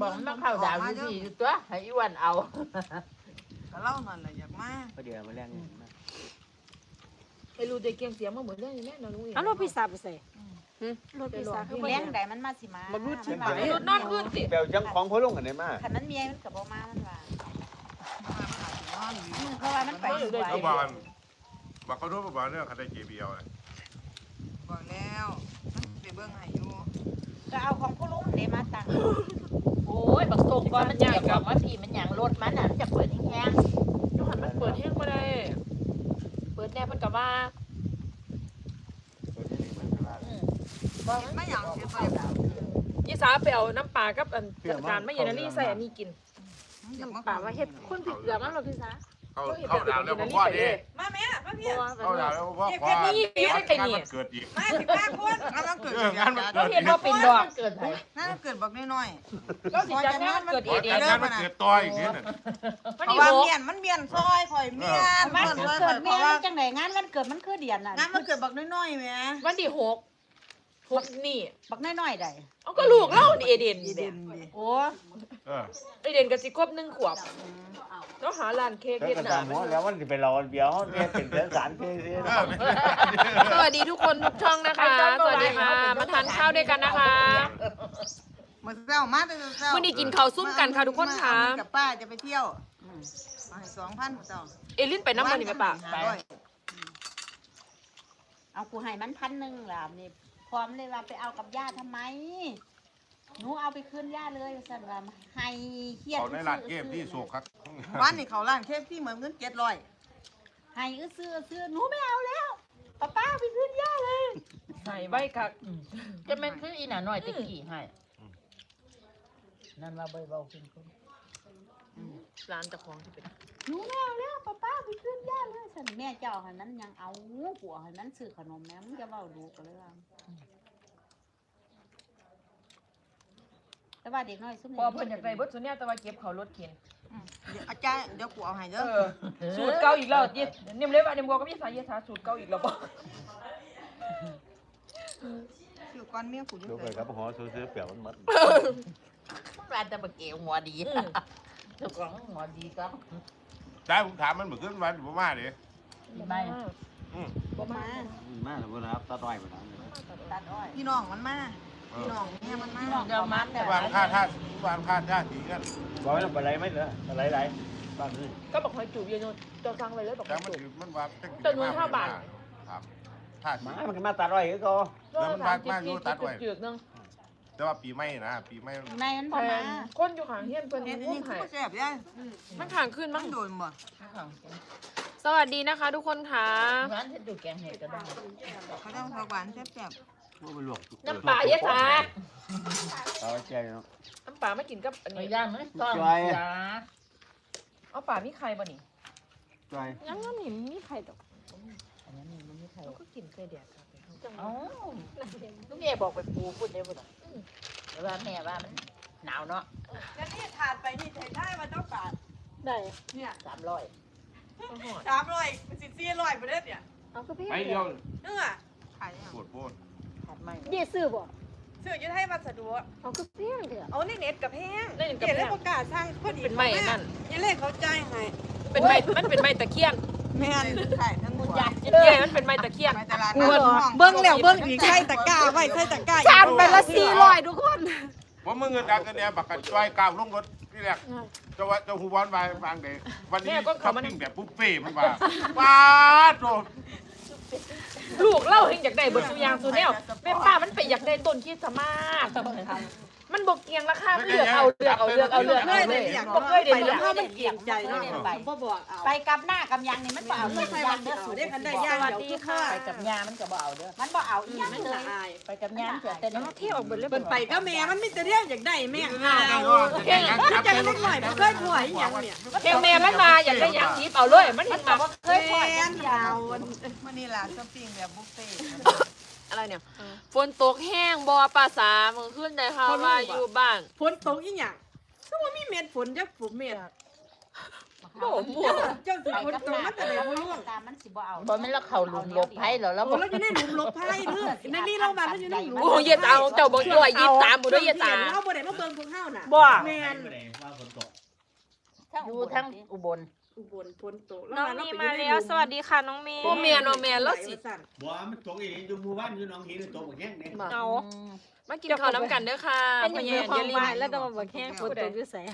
บอกมันเข้าดาวอยู่ที่ตัวให้อ้วนเอาก็เล่านั่นแหละอยากมาก็เดี๋ยวมาแรงนี่ไอ้รูเด็กเกียงเสียงมาเหมือนเรื่องนี้แม่นอนลุงเองเอารถพี่สาวไปใส่รถพี่สาวคือเลี้ยงใดมันมาสิมามันรูดชิบรูดนอนขึ้นสิเบลจังของพ่อลุงกันได้มาคันมันเมียมันกับบ่มามันว่านอนอยู่เพราะว่ามันไปสวยเขาบอกบอกเขารู้บอกเรื่องคดีเกบียวเลยบอกแล้วมันไปเบิ่งให้อยู่ก็เอาของผู้ลุงเดมาตังโอ้ยบักส่งก่อนมันอยากบอกว่าพี่มันอย่างรถมันน่ะมันจะเปิดแห้งยูหันมันเปิดแห้งมาได้เปิดแน่เพิ่นกับว่าไม่อยากเสียไปยี่สาไปเอาน้ำปลากับอันจัดการไม่เย็นนี่ใส่อันนี้กินอยากมาป่าว่าเฮ็ดคนผิดเกลือมั้งรถพี่สาวเขาดาวแล้วพ่อดิมาแม่มาพี่เขาดาวแล้วพ่อขอเกิดอีกมา15คนงานมันเกิดงานมันเราเกิดเห็นว่าเป็นดอกเกิดไหนงานเกิดบักน้อยก็สิจัดงานเกิดงานมันเกิดต่ออีกนิดนึงๆเพราะว่ามันเมียนซอยข่อยเมียนมันซอยเกิดเพแม่ราะว่าจังไดงานวันเกิดมันคือเดือนน่ะงานมันเกิดบักน้อยๆแม่วันที่6นี่บักน้อยๆใดเอาก็ลูกเล่านี่เอเดนเด่นดิโอ้เอเดนกับสิครบ1 ขวบแล้วหาร้านเค้กแล้วเฮ็ดก็หตาน้ามหัวแล้วมันจะไปรอเบียวเนี่ยเป็นเดือนสารเพศสวัสดีทุกคนทุกช่องนะคะ สวัสดีค่ะ มาทานข้าวด้วยกันนะคะมื้อเช้ามาแต่เช้ามื้อนี้กินข้าวซุ่มกันค่ะทุกคนค่ะกับป้าจะไปเที่ยวเอาให้2,000มื้อเช้าเอลินไปน้ำมันนี่ไหมป่ะเอากูให้มัน1,000ล่ะนี่พร้อมเลยว่าไปเอากับย่าทำไมหนูเอาไปคืนย่าเลยสั่นว่าให้เครียดเขาในร้านเกมที่สุกครับวันนี้เขาร้านเคฟที่เหมือนเงิน700 ให้ซื้อหนูไม่เอาแล้วป้าไปคืนย่าเลยใส่ใบคักจะเป็นคืออีหน่าน้อยตะกี้ให้นั่นว่าเบาๆขึ้นร้านเจ้าของที่เป็นหนูไม่เอาแล้วป้าไปขึ้นย่าเลยฉันแม่เจ้าหันนั้นยังเอาหัวหันนั้นซื้อขนมแม่มึงจะเบาดูกันเลยว่าแต่ว่าเด็กน้อยซุ่มพอเพิ่นอยากได้เบิดส่วนเนี้ยแต่ว่าเก็บเขารถเข็นเดี๋ยวอาจารย์เดี๋ยวกูเอาให้เด้อสูตรเก่าอีกแล้วเย็ดนิ่มเลยว่านิ่มก็มีสายเย็ดสาสูตรเก่าอีกแล้วบ่ชื่อก้อนเมียกูอยู่ดูไปไสครับหอซื้อเปลี่ยวมันมัดร้านตะบะเกียวหัวดีเจ้าของหัวดีก็ได้ผมถามมันเหมือนขึ้นวันผมมาดิไม่บ่มามาแล้วนะครับตาต้อยมาแล้วตัดอ้อยพี่น้องมันมาพี่น้องเมียมันมาเดี๋ยวมันแต่วางค่าท่าสีกันบอกให้เราไปไรไม่เหรออะไรไรบ้างนี่ก็บอกให้จูบเยอะๆจะสั่งไว้เลยบอกแต่ให้มันจูบมันว่า ครับท่าสีมามันก็มาตาต้อยก็แล้วมันมากอยู่ตัดไว้จืดๆนึงแต่ว่าปีไม่นะปีไม่ในมันแพบ่มางคนอยู่ข้างเฮียนเพิ่นเฮ็ดอันอุ้นี้มคือให้บ่แซ่บยายมันข้างขึ้นมัมั้นงโดนบ่สวัสดีนะคะ ทุกคนค่ะร้านที่ดูแกงเห็ดก็ได้เขาต้องผักหวานแซ่บว่าไปหลวกน้ำปลาเย็ดสาเอาใจเนาะน้ำปลาไม่กินกับอันไม่นี้ย่างไหมซ่อนยาเอาปลามีไข่บ่นี่ใจยังงั้นนี่มีใครตกอันนั้นนี่มันไม่ใช่เขาก็กินไข่แดดครับเอ้าลูกแม่บอกไปปูพูดได้บ่ล่ะแต่ว่าแม่ว่ามันหนาวเนาะๆจะนี่ทานไปนี่ไทยมาต้องการได้เนี่ย 300 300มันสิ400บ่เด้เนี่ยเอาก็พี่ไอ้เดียวเนื้อขายยังปวดโพดถัดไม่เดี๋ยวซื้อบ่ซื้ออยู่ไทยวัสดุเอาก็พี่เถอะเอาในเน็ตกับแพงได้กับเดี๋ยวแพเลยงประกาศสร้างพอดีเป็นไม้นั่นยังเลขเขาจ่ายให้เป็นไม้มันเป็นไม้ตะเคียนแม่นขายทั้งหมดเย้มันเป็นไม้ตะเคียนไปตลาดเบิ่งแล้วเบิ่งอีกใส่ตะกร้าไว้ใส่ตะกร้าจานไปละ400ทุกคนว่ามึงเงินดังกันเนี่ยบักกันจ้อยก้าวลงรถที่แรกจะหูบอลไปบางเดย์วันนี้ขับปิ้งแบบปุ๊บเป้มันว่าว้าโดลูกเล่าเฮงอยากได้เบิดสุยางสุแนวแม่ป้ามันไปอยากได้ต้นคริสต์มาสมันบอกเกียงราคาเลือกเอาเลยบ่เคยได้เลือกถ้ามันเกี่ยงใจเนาะบ่บอกเอาไปกับหน้ากับยังนี่มันบ่เอาไม่ใช่วันเดียวสูได้คันได้ยาสวัสดีค่ะไปกับยามันก็บ่เอาเด้อมันบ่เอาอีหยังเลยไปกับยาเกิดแต่แล้วนี่เที่ยวออกเบิดเลยเปินไปก็แม่มันมีแต่เรื่องอยากได้แม่หน้าเอาเก่งจะเล็กหน่อยมันเคยถวยอย่างเนี่ยเที่ยวแม่มันมาอยากได้ยางทิพเอาเลยมันเห็นมาเคยปล่อยแม่กันนยาวมันนี่ล่ะช้อปปิ้งแบบบุฟเฟ่ต์อะไรเนี่ยฝนตกแห้งบ่ภาษามึงขึ้นได้ค่ะว่าอยู่บ้านฝนตกอีหยังคือว่ามีเม็ดฝนจักฝนเม็ดโอ้หมั่วเจ้าสิไปคนกับโตน้ำมันจะได้บ่รู้ตามมันสิบ่เอาบ่แม่นเราเข้าหลุมหลบภัยแล้วเราโอ้บ่เราจะได้หลุมหลบภัยเด้อในนี่เรามามันอยู่ในหลุมโอ้เย็ดเอาเจ้าบอกด้วย23บ่ด้วยเย็ดตาเราบ่ได้มาเบิ่งพวกเฮาน่ะบ่แม่นว่าฝนตกอยู่ทั้งอุบลอุบลฝนตกน้องมีมาแล้วสวัสดีค่ะน้องเมย์โอ้แม่เนาะแม่แล้วสิบ่มันตกอีกอยู่หมู่บ้านอยู่หนองหินตกบักแห้งเนี่ยเอา มากินข้าวน้ำกันเด้อค่ะเป็นพ่ออย่างแย่เดียวอย่าลืมความหมายแล้วต้องมาบอกแค่ฝนตกอยู่ใส่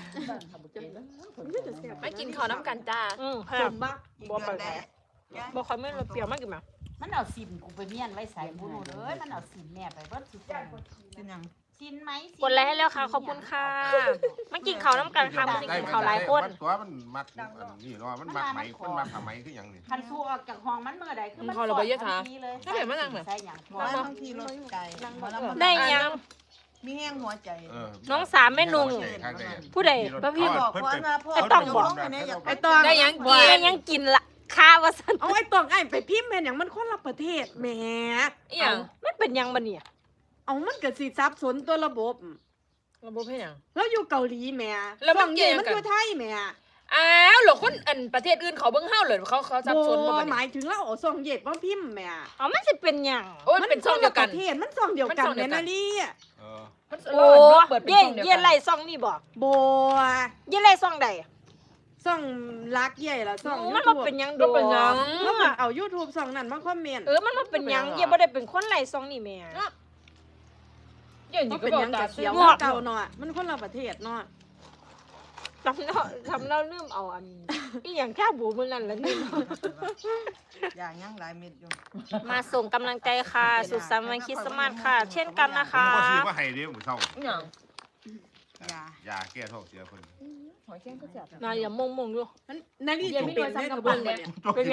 มากินข้าวน้ำกันจ้าค่ะสมบักบ่ไปไหนบ่ค่อยไม่รสเปรี้ยวมากกินมามันเอาสินกูไปเมียนไว้ใส่บุญเลยมันเอาสินแม่ไปเบิดสินเป็นหยังสินไหมกดไลค์ให้แล้วค่ะขอบคุณค่ะมากินข้าวน้ำกันค่ะมากินข้าวหลายคนตัวมันมักอันนี้เนาะมันมักไหมมันมักไหมคือหยังนี่คันสู้ออกจากห้องมันเมื่อใดคือมันเขาเราไปเยอะท้าเลยถ้าเดี๋ยวมานั่งหน่อยใส่หยังบ่บางทีรถไกลได้ยังมีแห้งหัวใจน้องสามแม่นุ่งผู้ใดป้าพี่บอกไอ้ต้องบอกไอ้ตองได้ยังกินได้ยังกินละข้าวว่าซั่นเอาไอ้ตองไอ้ไปพิมพ์แม่นหยังมันคนละประเทศแหมอีหยังมันเป็นยังบัดเนี่ยเอามันก็สิซับสนตัวระบบระบบเฮ็ดหยังแล้วอยู่เกาหลีแหม่แล้วมันฝั่งเกี่ยวมันกันอยู่ไทยแหม่อ้าวเหรอคนอันประเทศอื่นเขาเบิ่งเฮาเลยเขาสับสนบ่หบัดมานี้ยถึงแล้วเอาซ่องเย็ดมาพิมพ์แหม่เอามันสิเป็นยังโอ้ยเป็นช่องเดียวกันมัคละประเทศมันซ่องเดียวกันมันซ่องเดีแม่ยวกันนาลีมันโอ้เปิดเป็นเย่ช่องเดียวเย่กันไล่ซ่องนี่บ่โบเย่ไล่ซ่องใดซ่องรักใหญ่ละซ่องมัน YouTube บ่เป็นยังโดก็เป็นหยังแล้วมันเอา YouTube ซ่องนั้นมาคอมเมนต์มันบ่เป็นยังเย่บ่ได้เป็นคนไล่ซ่องนี่แม่เดี๋ยวมันี้นก็เป็นบอหกยังตากับเสีเสียยวงเก่าเนาะมันคนละประเทศเนาะทำเราลืมเอาอันอีหยังแค่บูมื้อนั้นละนี่อย่างยังหลายเม็ดอยู่มาส่งกำลังใจค่ะ สุขสันต์วันคริสต์มาสค่ะ เช่นกันนะคะผมก็ซื้อมาให้เด้อหมู่เฒ่าอีหยังอย่ายาแก้ท้องเสียเพิ่นหอยแครงก็แซ่บนายอย่ามงๆอยู่มันนาลีเดี๋ยวจุไม่เป็นโดนซ้ำได้กักับบ เบิ่เบิ่งงเนี่เนี่ย ยเป็นหยัง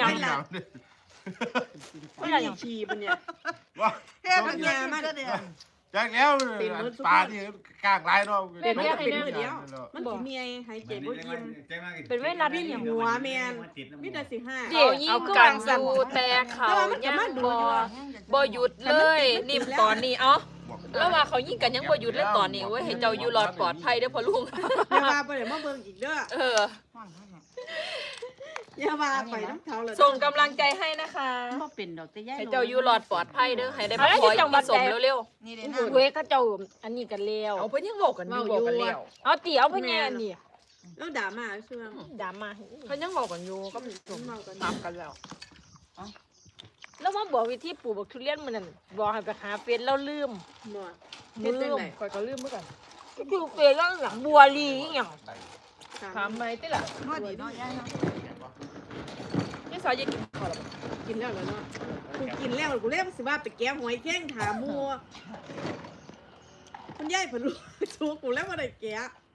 ไม่ได้ชีปะเนี่ยว่าแค่มันยามันจากแล้วปลาที่กลางหลายเนาะเป็นแค่เป็นมือเดียว มันสิมีไอ้หายใจบ่ยิ้มเป็นเวลาพี่ที่หัวแมนมีแต่สิห้าเดี๋ยวยิเอางก็กัวาน งอสั่นยู่แต่เขาแต่ว่ามันก็ยังมาดูบ่อยู่บ่หยุดเลยนิ่มตอนนี้เอ้าแล้วว่าเขายิงกันยังบ่หยุดเลยตอนนี้เว้ยให้เจ้าอยู่รอดปลอดภัยเด้อพ่อลุงอย่าว่าไปเดี๋ยวมาเบิ่งอีกเด้อเอออย่าว่าไปน้ำเขาเลยส่งกำลังใจให้นะคะบ่เป็นดอกแต่ยายให้เจ้าอยู่รอดปลอดภัยเด้อให้ได้มาขออีกสมเร็วนี่เด้โอ้นะเว้ยเขาเจ้าอันนี้กันแล้วๆเอาเพิ่นยังบอกกันอยู่บอกกันแล้วเอาตีเอาเพิ่นแย่นี่แล้วด่ามาเชื่องด่ามาเพิ่นยังบอกกันอยู่ก็จบเมากันตามกันแล้วแล้วมาบอกวิธีปลูกบักทุเรียนมื้อนั้นบอกให้ไปหาเฟซแล้วลืมหมดเฮ็ดจังได๋ข่อยก็ลืมเหมือนกันคือเฟซแล้วหลังบัวลีอีหยังถามไหมติล่ะนวดดีเนาะยายเนาะนี่สาวจะกินข้าวหรอกินแล้วเนาะกูกินแล้วกูเล่สิว่าไปแก้หอยแข้งถามมัวคุณยายเพิ่นรู้ชูกูแล้วบ่ได้แก้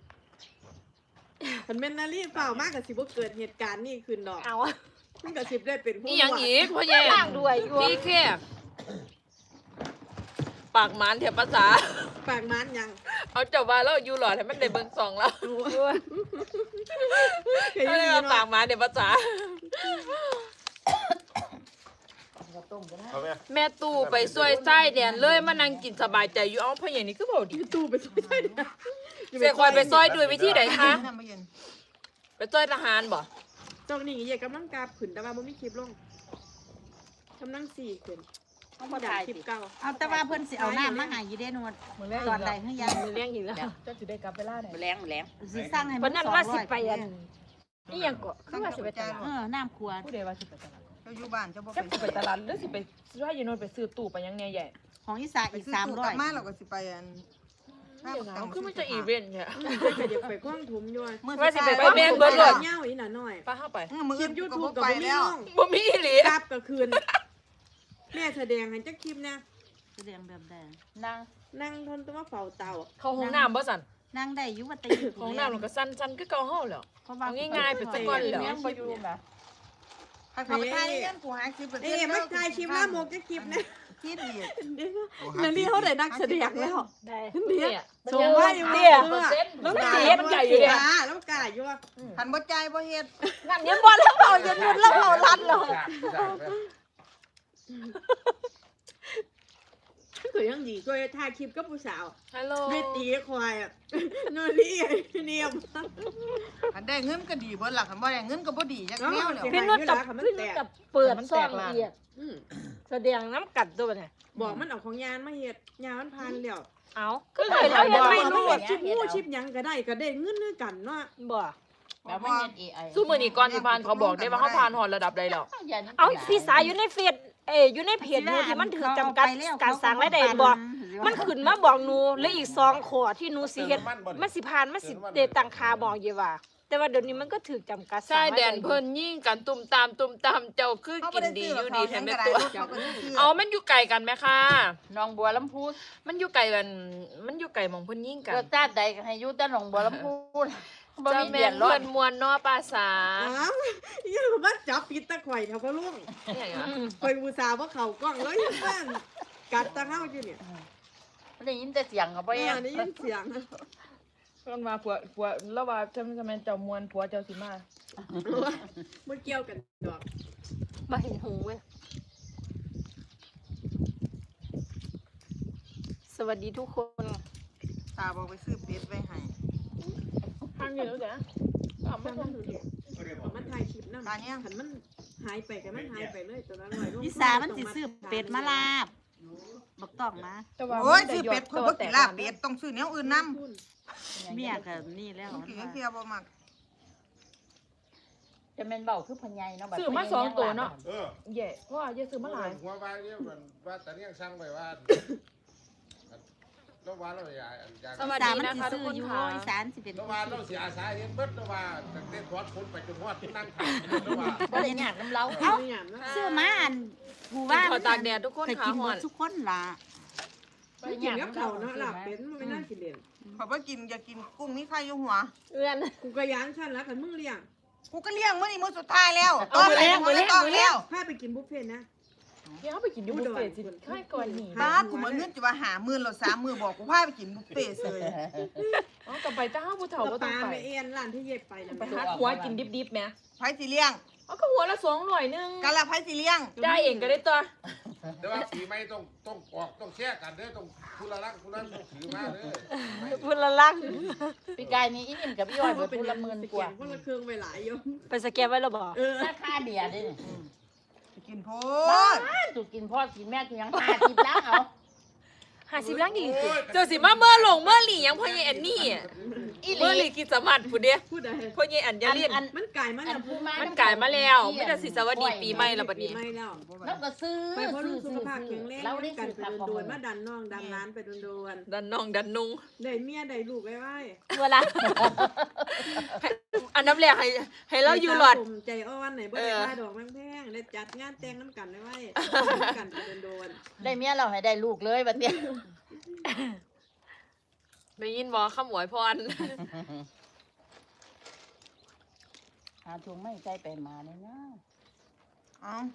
เพิ่นแม่นนาลีเปล่ามากก็สิบ่เกิดเหตุการณ์นี้ขึ้นดอกเอามันก็สิได้เป็นผู้นี่ยังอีกพ่อแย่ล่างด้วยอยู่พี่แค่ปากหมานเทียบภาษาปากมันยังเอาเจ้าว่าแล้วอยู่หลอดให้มันได้เบิ่งสองแล้วเคยก็เลยมีเอาปาเนาะกหมานเทียบภาษาเอาแม่แม่ตู้ไปซวยไส้แดนเลยมานั่งกินสบายใจอยู่เอ้าพ่อใหญ่นี่คือบอกดิอยู่ตู้ไปซอยได้นะเสียคอยไปซอยด้วยวิธีไหนคะไปซอยทหารบ่ตรงนี้อย่ากำลังกาขึ้นแต่ว่าบ่มีคลิปลงกำลัง4ขึ้นเอาบ่ด่าได้คลิปสิเก่าเอาแต่ว่าเพิ่นสิเอาน้ำมาให้อยู่เด้นวดมื้อแรกตอนใดเฮือยังมือเลี้ยงอีกแล้วเจ้าสิได้กลับเวลาไหนแรงสิสร้างให้เพิ่นนั่นว่าสิไปอัน 200 นี่ยังก็คือว่าสิไปตลาดน้ำขวดผู้ใดว่าสิไปตลาดเจ้าอยู่บ้านเจ้าบ่จะสิไปตลาดหรือสิไปช่วยยายนนท์ไปซื้อตู้ไปยังแน่ใหญ่ของอีสาอีกกลับมาเรา 300 ก็สิไปอันเอาคือมันจะอีเวนต์เนี่ยเดี๋ยวไปกว้างถุมอยู่ว่าสิไปแม่นเบิดเลยเงาอีหน่ะหน่อยป้าเข้าไปคลิป YouTube ก็บ่มีลงบ่มีอีหลีกลับก็คืนแม่แสดงให้จักคลิปนะแสดงแบบใดนั่งทนตัวเฝ้าเตาเข้าห้องน้ำบ่สั่นนั่งได้อยู่ว่าตีห้องน้ำมันก็สั้นๆคือเก่าเฮาแล้วเพราะว่าเอาง่ายๆเป็นตะกอนแล้วให้เขาไปถ่ายเงินกูหาคลิปเอ้ยมันถ่ายคลิปละโมกจักคลิปนะคลิปอีกนั่นนี่เขาได้นักแสดงแล้วได้เนี่ยส่งว่าอยู่เนี่ยเปอร์เซ็นต์แล้วมันกาเสียมันใหญ่อยู่เนี่ยแล้วกาอยู่ว่าหันบ่ใจบ่เฮ็ดนั่นยังบ่แล้วเผายังหยุดแล้วเผารัดเลยคือยังดีก็ถ่ายคลิปกับผู้สาวฮัลโหลไม่ตีควายอ่ะนนนี่เนียมได้เงินก็ดีเบิดล่ะคันบ่ได้เงินก็บ่ดีจักแนวแล้วพี่นุชกับเปิดซ่องเอียดอืมแสดงน้ำกัดตัวเนี่ยบอกมันเอาของยานมาเฮ็ดยานมันพันแล้วเอาก็เลยแล้วยังไม่รู้รู้ว่าชิปงูชิปหยังก็ได้ก็ได้เงินด้วยกันเนาะบ่แบบมันเฮ็ด AI สู้มือนี่ก่อนสิผ่านเขาบอกได้ว่าเขาผ่านหอดระดับใดแล้วเอาพี่สายอยู่ในเฟซอยู่ในเพจหนูที่มันถือจำกัดการสร้างรายได้บอกมันขึ้นมาบอกหนูแล้วอีก2ข้อที่หนูสิเฮ็ดมันสิผ่านมันสิได้ตั้งค่าบอกอยู่ว่า แต่ว่าเดี๋ยวนี้มันก็ถือจำกัดใช่แดนเพิ่นยิ่งกันตุ่มตามเจ้าคือกินดีอยู่ดีแถมแม่ตัวเอามันอยู่ไกลกันไหมคะน้องบัวลำพูมันอยู่ไกลกันมันอยู่ไกลหมองเพิ่นยิ่งกันเกิดชาติใดก็ให้อยู่แต่หนองบัวลำพูบ่จะมีแม่เดือน ดร้อเพิ่นนมวนเนาะภาษาอ้าวยังมาจับปิดตะข่อยเท่าพ่อลุงเนี่ยเหรอข่อยอุตส่าห์ว่าเข้ากล้องแล้วยังบ้านกัดตะเฮาอยู่เนี่ยได้ยินแต่เสียงก็บ่แม่แย่ได้ยินเสียงเพิ่นว่าผัวแล้วว่าจะแม่นเจ้ามวนผัวเจ้าสิมาบ่เกี่ยวกันดอกมาเห็นหูเว้ยสวัสดีทุกคนตาบอกไปซื้อเป็ดไว้ให้ทางอยู่แล้วจ้ะเอามามันมันถ่ายคลิปนำตาเนี่ยคันมันหายไปก็มันหายไปเลยตัวนั้น100ลงพิสามันสิซื้อเป็ดมาลาบบอกต้องนะแต่ว่าโอ้ยซื้อเป็ดคนบ่กินลาบเป็ดต้องซื้อแนวอื่นนำเมียก็นี่แล้วกินเพียบ่มักจะแม่นเว้าคือพญายเนาะบัดซื้อมา2ตัวเนาะเออแย่เพราะว่าอย่าซื้อมาหลายหัวว่าเนี่ยมันว่าแต่เนี่ยสั่งไปว่าแล้วว่าเราอยากสวัสดีนะคะทุกคนค่ะอีสานสิเป็นแล้วว่าเราเสียอาสาเห็นเบิดแล้วว่าตั้งแต่ทอดคนไปจนฮอดนั่งขายแล้วว่าบ่ได้ยากน้ำเล้าเอ้าเนี่ยนะซื้อมาอันหมู่บ้านขอตากแดดทุกคนเคยค่ะกินหหมอดนทุกคนล่ะไปกินกับเขาเนาะลาบเป็ดมันไม่น่ากินเด่นขอยบ่กินอยากกินกุ้งมีไข่อยู่หัวเอื้อนกูก็ย้านฉันแล้วคันมึงเลี้ยงกูก็เลี้ยงมื้อนี้มื้อสุดท้ายแล้วตอนแล้วพาไปกินบุฟเฟ่ต์นะเดี๋ยวเอาไปกินอยู่บุฟเฟ่ต์สิค่ายก่อนนี่บ้ากูเหมือนเงินจะว่าหาหมื่นแล้ว3มื้อบอกกูพาไปกินบุฟเฟ่ต์เลยอ๋อกลับไปจ้าผู้เฒ่าก็ปต้อลางไปไปเอ็นร้านที่เย็บไปนะไปหาหัวกินดิบๆแหมไผสิเลี้ยงเอาก็หัวละ200นึงกันละไผสิเลี้ยงจ่ายเองก็ได้ตัวแต่ว่าปีใหม่ต้องออกต้องแช่กันเด้อต้องคุณละรักคุณละต้องถือมาเด้อพูดละลักปีกายนี้อีนิ่มกับพี่อ้อยเบิดเป็นผู้ละหมื่นกว่าคนละเครื่องไปหลายอยมไปสแกนไว้แล้วบอกราคาเดียดิไปกินโพบ้าดนสุกินพ่อกินแม่กินยัง50ล้านเอา 50ล้านดีสิเจ้าสิมาเมื่อหลงเมื่อหลียังพ่อใหญ่อันนี่เมื่อหลีกิจสมัติผู้เดียพูดอะไรพ่อใหญ่อันอย่าเรียนมันไก่มาอัแล้วนผู้มามันกลายมาแล้วไม่แต่สิสวัสดีปีใหม่แล้วบัดปีนี้ใหม่แล้วแล้วก็ซื้อไปเพราะลูกสุขภาพแข็งแรงเราได้กันซื้อไปผักโดนๆมาดันน้องดันร้านไปโดนดันน้องดันนุงๆได้เมียได้ลูกไว้ไว้เวลาอันน้ำแรกให้เราอยู่หลอดใจอ่อนไหนบ่ได้ค่าดอกแพงๆได้จัดงานแต่งน้ำกันไว้กันไปโดนได้เมียเราให้ได้ลูกเลยบัดเนี้ยได้ยินบ่ขมวยพรหาทวงไม่ใจไปมาเลยนะเอ้า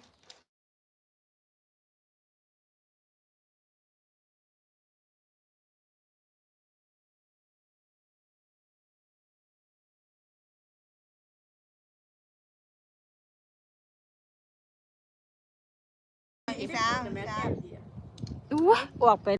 อีสานๆแต่แม่อีแซ่สานบดีอู้ออกไป